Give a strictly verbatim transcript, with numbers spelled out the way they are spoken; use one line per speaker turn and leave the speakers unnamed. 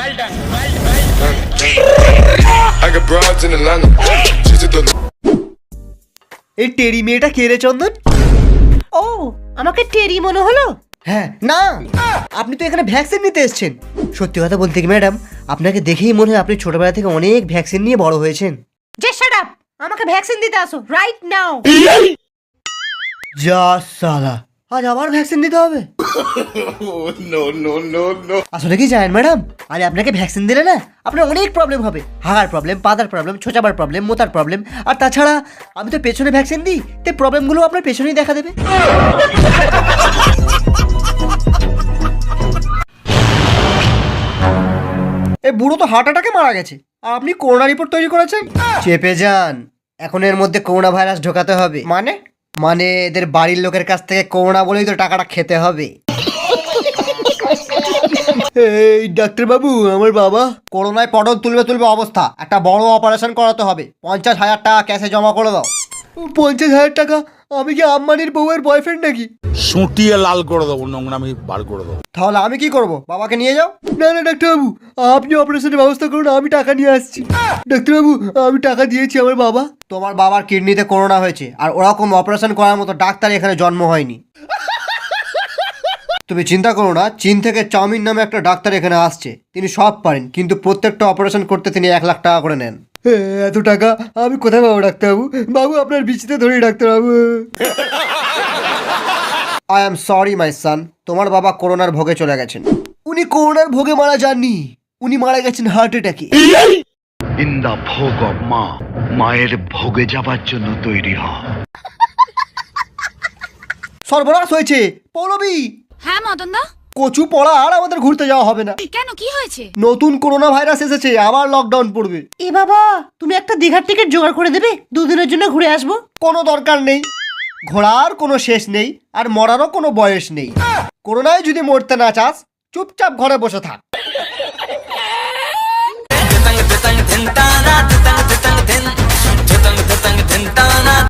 এই টেরি মেয়েটা কে রে চন্দন?
ও, আমাকে টেরি মনে হলো?
হ্যাঁ না, আপনি তো এখানে ভ্যাকসিন নিতে এসেছেন। সত্যি কথা বলতে কি ম্যাডাম, আপনাকে দেখেই মনে হয় আপনি ছোটবেলা থেকে অনেক ভ্যাকসিন নিয়ে বড় হয়েছেন।
যে শাট আপ, আমাকে ভ্যাকসিন দিতে আসো রাইট নাও।
যা সালা, আজ আবার ভ্যাকসিন দিতে হবে? No no no no. আসলে কি জানেন ম্যাডাম, আরে আপনাকে ভ্যাকসিন দিলে না আপনার অনেক প্রবলেম হবে। হাগার প্রবলেম, পাদার প্রবলেম, ছোচাবার প্রবলেম, মোতার প্রবলেম। আর তাছাড়া আমি তো পেছনে ভ্যাকসিন দিই, তাই প্রবলেমগুলো আপনার পেছনেই দেখা দেবে। এই বুড়ো তো হার্ট অ্যাটাকে মারা গেছে, আর আপনি করোনা রিপোর্ট তৈরি করেছেন। চেপে যান, এখন এর মধ্যে করোনা ভাইরাস ঢোকাতে হবে। মানে মানে এদের বাড়ির লোকের কাছ থেকে করোনা বলেই তো টাকাটা খেতে হবে। এই ডাক্তার বাবু, আমার বাবা করোনায় পটল তুলবে তুলবে অবস্থা, একটা বড় অপারেশন করাতে হবে। পঞ্চাশ হাজার টাকা ক্যাশে জমা করে দাও। পঞ্চাশ হাজার টাকা? আমি কি আম্বানির বউয়ের বয়ফ্রেন্ড নাকি?
সুটিয়ে লাল করে দেবো, নোংরামি বার করে দেবো।
তাহলে আমি কি করব? বাবাকে নিয়ে যাও। না না ডাক্তারবাবু, আপনি অপারেশনের ব্যবস্থা করুন, আমি টাকা নিয়ে আসছি। ডাক্তারবাবু, আমি টাকা দিয়েছি আমার বাবা। তোমার বাবার কিডনিতে করোনা হয়েছে, আর ওরকম অপারেশন করার মতো ডাক্তার এখানে জন্ম হয়নি। তুমি চিন্তা করো না, চীন থেকে চাউমিন নামে একটা ডাক্তার এখানে আসছে, তিনি সব পারেন, কিন্তু প্রত্যেকটা অপারেশন করতে তিনি এক লাখ টাকা করে নেন। এত টাকা আমি কোথায় পাবো ডাক্তারবাবু? বাবু আপনার বিচিতে ধরি ডাক্তারবাবু। I am sorry my son, তোমার বাবা করোনার ভোগে চলে গেছেন। উনি করোনার ভোগে মারা যাননি, উনি মারা গেছেন হার্ট অ্যাটাকে।
ইন দা ভোগ অফ মা, মায়ের ভোগে যাবার জন্য তৈরি হ।
সর্বনাশ হয়েছে পৌলবী।
হ্যাঁ মদন দা।
কচু পড়া আর আমাদের ঘুরতে যাওয়া হবে না।
কেন, কি হয়েছে?
নতুন করোনা ভাইরাস এসেছে, আবার লকডাউন পড়বে।
এ বাবা, তুমি একটা দীঘার টিকিট জোগাড় করে দেবে, দুদিনের জন্য ঘুরে আসবো।
কোনো দরকার নেই, ঘোরার কোনো শেষ নেই, আর মরারও কোনো বয়স নেই। করোনায় যদি মরতে না চাস, চুপচাপ ঘরে বসে থাক।